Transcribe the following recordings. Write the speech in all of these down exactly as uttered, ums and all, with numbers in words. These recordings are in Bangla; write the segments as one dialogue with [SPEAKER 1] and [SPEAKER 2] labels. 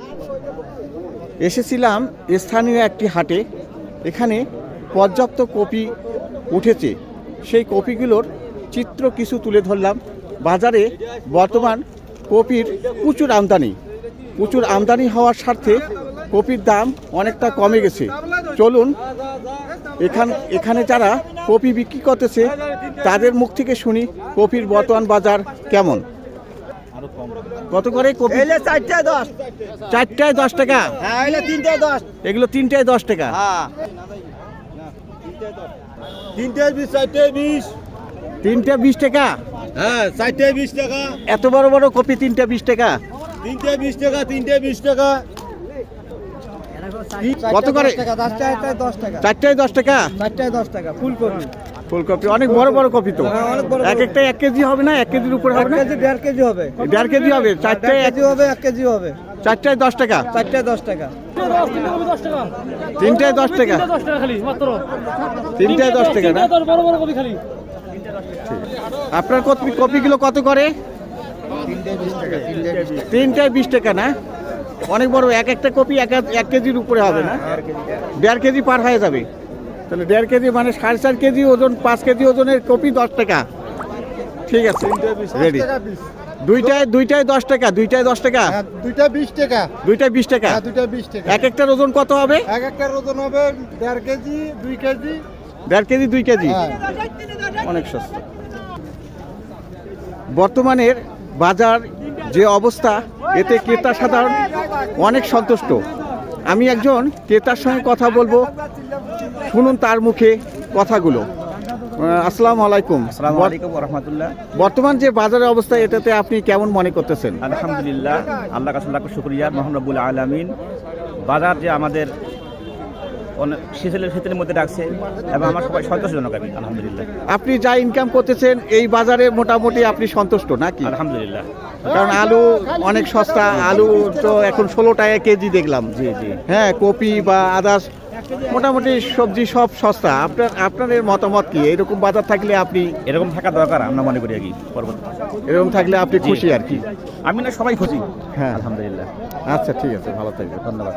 [SPEAKER 1] এসেছিলাম স্থানীয় একটি হাটে। এখানে পর্যাপ্ত কপি উঠেছে, সেই কপিগুলোর চিত্র কিছু তুলে ধরলাম। বাজারে বর্তমান কপির প্রচুর আমদানি প্রচুর আমদানি হওয়ার স্বার্থে কপির দাম অনেকটা কমে গেছে। চলুন এখান এখানে যারা কপি বিক্রি করতেছে তাদের মুখ থেকে শুনি কপির বর্তমান বাজার কেমন। কত করে কপি?
[SPEAKER 2] চারটায় দশ
[SPEAKER 1] চারটায় দশ টাকা।
[SPEAKER 2] হ্যাঁ তিনটায় দশ
[SPEAKER 1] এগুলো তিনটায় দশ টাকা।
[SPEAKER 2] হ্যাঁ তিনটায় বিশ চারটায় বিশ
[SPEAKER 1] তিনটা বিশ টাকা।
[SPEAKER 2] হ্যাঁ চারটায় বিশ টাকা
[SPEAKER 1] এত বড় বড় কপি তিনটা বিশ টাকা।
[SPEAKER 2] তিনটায় বিশ টাকা তিনটায় বিশ টাকা
[SPEAKER 1] কত করে?
[SPEAKER 2] দশটায় দশ টাকা
[SPEAKER 1] চারটায় দশ টাকা।
[SPEAKER 2] চারটায় দশ টাকা ফুলকপি
[SPEAKER 1] ফুলকপি অনেক বড় বড় কপি তো।
[SPEAKER 2] হ্যাঁ, অনেক বড় বড়।
[SPEAKER 1] এক একটা এক কেজি হবে না? এক কেজির উপরে হবে
[SPEAKER 2] এক
[SPEAKER 1] না?
[SPEAKER 2] কেজি দেড় কেজি হবে
[SPEAKER 1] দেড় কেজি হবে। চারটায়
[SPEAKER 2] দেড় কেজি হবে এক কেজি হবে
[SPEAKER 1] চারটায় দশ টাকা।
[SPEAKER 2] চারটায় দশ টাকা
[SPEAKER 1] তিনটায় দশ টাকা। তিনটায় দশ টাকা না? আপনার কপি কপিগুলো কত করে? তিনটায় বিশ টাকা না? অনেক বড়। এক একটা কপি এক এক কেজির উপরে হবে না? দেড় কেজি পার হয়ে যাবে। তাহলে দেড় কেজি মানে সাড়ে চার কেজি ওজন, পাঁচ কেজি ওজনের কপি দশ টাকা। ঠিক আছে, রেডি। দুইটায় দুইটায় দশ টাকা। দুইটায় দশ টাকা।
[SPEAKER 2] দুইটা বিশ টাকা
[SPEAKER 1] দুইটায় বিশ টাকা।
[SPEAKER 2] দুইটা বিশ টাকা
[SPEAKER 1] এক একটার ওজন কত হবে?
[SPEAKER 2] এক একটার ওজন হবে দেড় কেজি দুই কেজি
[SPEAKER 1] দেড় কেজি দুই কেজি।
[SPEAKER 2] হ্যাঁ।
[SPEAKER 1] অনেক সস্তা। বর্তমানের বাজার যে অবস্থা, এতে ক্রেতা সাধারণ অনেক সন্তুষ্ট। আমি একজন ক্রেতার সঙ্গে কথা বলবো, শুনুন তার মুখে কথাগুলো। আসসালামু আলাইকুম।
[SPEAKER 3] আসসালামু আলাইকুম ওয়া রাহমাতুল্লাহ।
[SPEAKER 1] বর্তমান যে বাজারের অবস্থা, এটাতে আপনি কেমন মনে করতেছেন?
[SPEAKER 3] আলহামদুলিল্লাহ, আল্লাহ কাছে লাখ শুকরিয়া, মহান রব্বুল আলামিন। বাজার যে আমাদের শীতলের শীতের মধ্যে রাখছে এবং আমার সবাই সন্তোষজনক। আমি আলহামদুলিল্লাহ।
[SPEAKER 1] আপনি যা ইনকাম করতেছেন এই বাজারে মোটামুটি আপনি সন্তুষ্ট নাকি?
[SPEAKER 3] আলহামদুলিল্লাহ।
[SPEAKER 1] কারণ আলু অনেক সস্তা। আলু তো এখন ষোলো টাকা কেজি দেখলাম।
[SPEAKER 3] জি জি।
[SPEAKER 1] হ্যাঁ, কপি বা আদার্স মোটামুটি সবজি সব সস্তা। আপনার আপনাদের মতামত কি? এরকম বাজার থাকলে আপনি?
[SPEAKER 3] এরকম থাকা দরকার আমরা মনে করি আর কি। পরবর্তী
[SPEAKER 1] এরকম থাকলে আপনি খুশি আর কি?
[SPEAKER 3] আমি না, সবাই খুশি।
[SPEAKER 1] হ্যাঁ,
[SPEAKER 3] আলহামদুলিল্লাহ।
[SPEAKER 1] আচ্ছা ঠিক আছে, ভালো থাকবেন।
[SPEAKER 3] ধন্যবাদ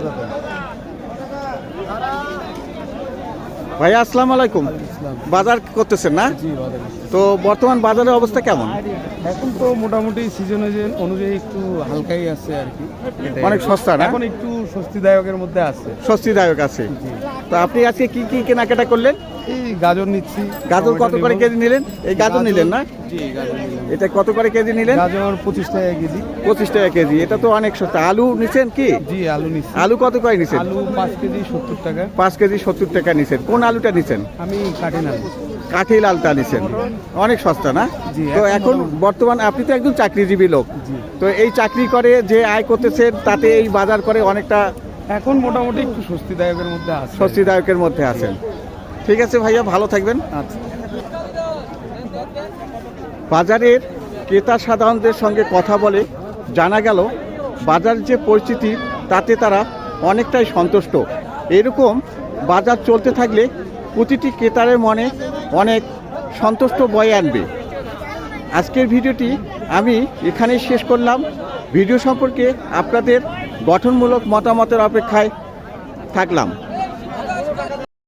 [SPEAKER 1] ভাইয়া আসসালামু আলাইকুম। বাজার করতেছেন না? তো বর্তমান বাজারের অবস্থা কেমন?
[SPEAKER 4] এখন তো মোটামুটি সিজন অনুযায়ী একটু হালকাই আছে আর কি।
[SPEAKER 1] অনেক সস্তা না?
[SPEAKER 4] এখন একটু স্বস্তিদায়কের মধ্যে আছে।
[SPEAKER 1] স্বস্তিদায়ক আছে। তো আপনি আজকে কি কি কেনাকাটা করলেন?
[SPEAKER 4] এই গাজর নিচ্ছি।
[SPEAKER 1] গাজর কত করে কেজি নিলেন? এই গাজর নিলেন না?
[SPEAKER 4] জি, গাজর নিলাম।
[SPEAKER 1] এটা কত করে কেজি নিলেন?
[SPEAKER 4] গাজর পঁচিশ টাকা কেজি।
[SPEAKER 1] পঁচিশ টাকা কেজি। এটা তো অনেক সস্তা। আলু নিছেন কি?
[SPEAKER 4] জি, আলু নিচ্ছি।
[SPEAKER 1] আলু কত করে নিছেন?
[SPEAKER 4] আলু পাঁচ কেজি সত্তর টাকা।
[SPEAKER 1] পাঁচ কেজি সত্তর টাকা নিছেন। কোন আলুটা নিছেন?
[SPEAKER 4] আমি কাটি না।
[SPEAKER 1] কাঠি লালটা নিছেন। অনেক সস্তা না?
[SPEAKER 4] জি।
[SPEAKER 1] তো এখন বর্তমান আপনি তো একজন চাকরিজীবী লোক। তো এই চাকরি করে যে আয় করতেছেন, তাতে এই বাজার করে অনেকটা
[SPEAKER 4] এখন মোটামুটি একটু স্বস্তিদায়কের মধ্যে আছে।
[SPEAKER 1] স্বস্তিদায়কের মধ্যে আছেন। ঠিক আছে ভাইয়া, ভালো থাকবেন।
[SPEAKER 4] আচ্ছা।
[SPEAKER 1] বাজারের ক্রেতা সাধারণদের সঙ্গে কথা বলে জানা গেল বাজার যে পরিস্থিতি, তাতে তারা অনেকটাই সন্তুষ্ট। এরকম বাজার চলতে থাকলে প্রতিটি ক্রেতার মনে অনেক সন্তুষ্ট বয়ে আনবে। আজকের ভিডিওটি আমি এখানেই শেষ করলাম। ভিডিও সম্পর্কে আপনাদের গঠনমূলক মতামতের অপেক্ষায় থাকলাম।